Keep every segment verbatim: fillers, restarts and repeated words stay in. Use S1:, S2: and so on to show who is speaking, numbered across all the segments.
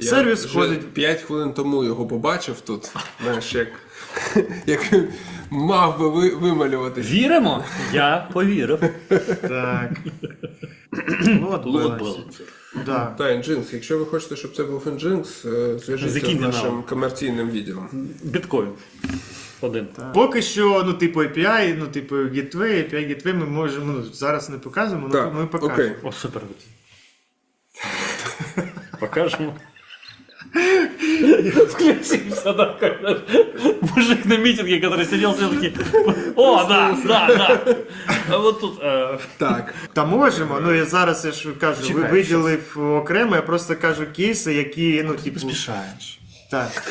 S1: сервіс
S2: вже
S1: ходить.
S2: п'ять хвилин тому його побачив тут, знаєш, як, як він мав би ви, вималюватись.
S3: Віримо? Я повірив.
S1: Так. Лот
S3: Лот
S1: балансер. Да.
S2: Та, Nginx. Якщо ви хочете, щоб це був Nginx, е, зв'яжіться з
S3: Закиньте
S2: нашим
S3: нам.
S2: комерційним відділом.
S3: Біткоін. Один.
S1: Поки що, ну, типу, ей пі ай, ну, типу, Gateway, ей пі ай Gateway ми можемо, ну, зараз не показуємо, але
S2: Так,
S1: ми покажемо.
S2: окей.
S3: О, супер. Покажемо. Включимся, да, когда мужик на митинге, который сидел все-таки. О, да, да, да. А вот тут... Э...
S2: Так.
S1: Та можемо, ну я зараз я ж кажу,
S3: Чекай,
S1: ви виділив окремо, я просто кажу кейси, які, ну, типу.
S3: Спешаешь.
S1: Так.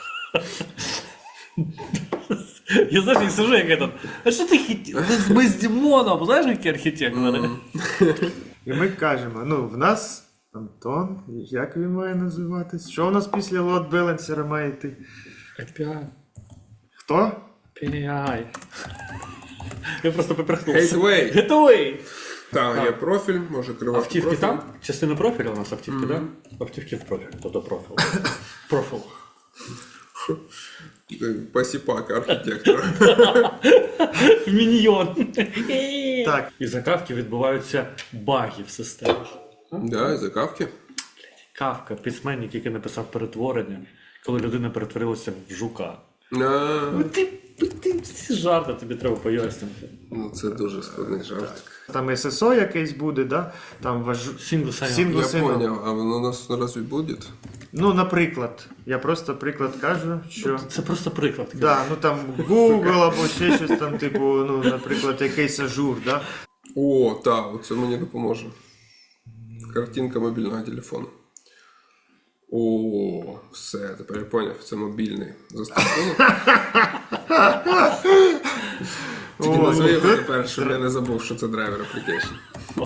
S3: Я, знаешь, не сижу, як этот. А що ти хіті? Ми з Дімоном, знаєш, які архітектори?
S1: І ми кажемо, ну, в нас Антон, як він має називатись? Що у нас після лот балансера має йти?
S3: ей пі ай.
S1: Хто?
S3: ей пі ай. Я просто поперхнувся.
S2: Gateway.
S3: Gateway.
S2: Так, є профіль, може керувати
S3: Автівки
S2: профілем.
S3: там? Частина профіля у нас автівки, так? Автівки в профіль, тобто профіл. Профіл.
S2: Посіпака архітектора.
S3: Міньйон.
S1: Так.
S3: І за кавки відбуваються баги в системі.
S2: Да, і за кавки.
S3: Кавка, письменник, який написав перетворення, коли людина перетворилася в жука.
S2: А,
S3: Ти, ти, ці жарти тобі треба пояснити.
S2: ну, це дуже складний жарт.
S1: Там ес ес о якийсь буде, да? Там важ...
S3: Сінгл сайон.
S1: Сінгл-
S2: Я
S1: Сину.
S2: поняв, а воно у нас разве буде?
S1: Ну, наприклад, я просто приклад кажу, що...
S3: Це просто приклад.
S1: Да, ну там Google або ще щось там, типу, ну, наприклад, якийсь ажур, да?
S2: О, так, оце мені допоможе. Картинка мобільного телефону. О, все, тепер я поняв, це мобільний застосунок. Тільки
S1: О,
S2: назви його
S1: ну,
S2: тепер, щоб я не забув, що це драйвер application.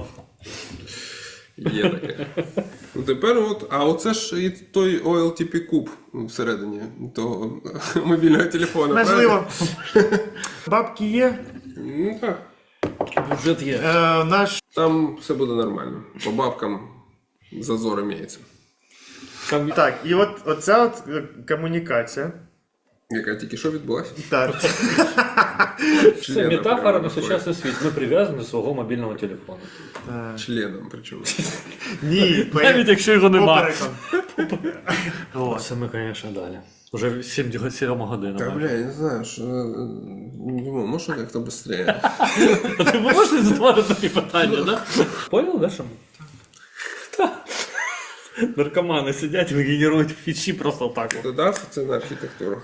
S2: Є таке. Ну тепер от, а оце ж і той о ел ті пі куб всередині того мобільного телефону.
S1: Можливо. Бабки є.
S2: Ну так.
S3: Бюджет є.
S1: Е, наш...
S2: Там все буде нормально. По бабкам зазор імеється.
S3: Там...
S1: Так, і от оця от е, комунікація.
S2: Яка тільки що відбулася?
S1: Так.
S3: Це метафора на сучасний світ. Ми прив'язані до свого мобільного телефону.
S2: Членом причому.
S1: Ні,
S3: Навіть якщо його нема.
S1: попереком.
S3: О, це ми, звісно, далі. Уже сім годин.
S2: Та, бля, я не знаю, що... Думаю, можна як-то швидше?
S3: А ти можеш не задавати такі питання, да? Понял, да, що ми? Та. Наркомани сидять і генерують фічі просто так.
S2: Додався це на архітектуру.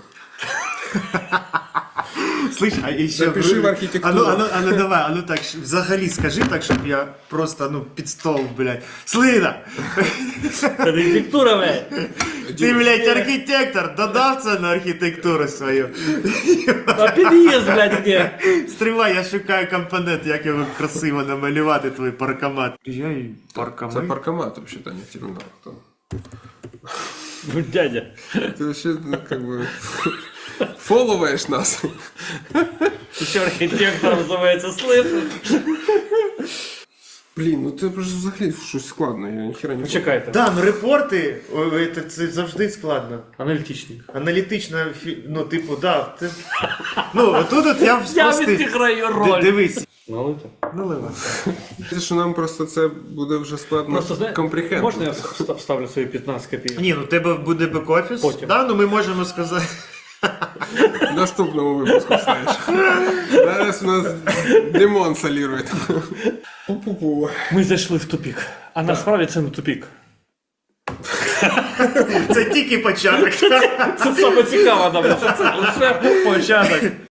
S1: Слышь, а еще...
S2: Запиши в архітектуру.
S1: А ну, а ну, а ну давай, а ну так, взагалі скажи так, щоб я просто, ну, під стол, блядь. Слина!
S3: Архітектура, блядь.
S1: Ти, блядь, архітектор, додав це на архітектуру свою.
S3: А під'їзд, блядь, де?
S1: Стривай, я шукаю компонент, як його красиво намалювати, твій паркомат. Я і паркомат.
S2: Це паркомат, взагалі, а не термінал. Там.
S3: Ну, дядя.
S2: Ти взагалі, ну, как би, фоловаєш нас.
S3: Ти що, архітектор називається слышиш?
S2: Блін, ну це просто взагалі щось складно, я ніхера не
S3: Почекайте.
S1: Да, ну репорти, ой, це, це завжди складно.
S3: Аналітичник.
S1: Аналітично, фі- ну, типу, да. Ти... Ну, отут от я
S3: Я
S1: спростив.
S3: відіграю
S1: Д-
S3: роль.
S1: Дивись.
S3: Налито.
S1: Наливай.
S2: Це, що нам просто це буде вже складно
S3: Просто, знаєш,
S2: компрехендити.
S3: можна я вста- вставлю свої п'ятнадцять копійок?
S1: Ні, ну у тебе буде бек-офіс.
S3: Потім.
S1: Да, ну ми можемо сказати.
S2: В наступному випуску вставиш. Зараз у нас Димон солірує. Пу-пу-пу.
S3: Ми зайшли в тупік. А насправді це не тупік.
S1: Це тільки початок.
S3: Це саме цікаво, нам, що це лише початок.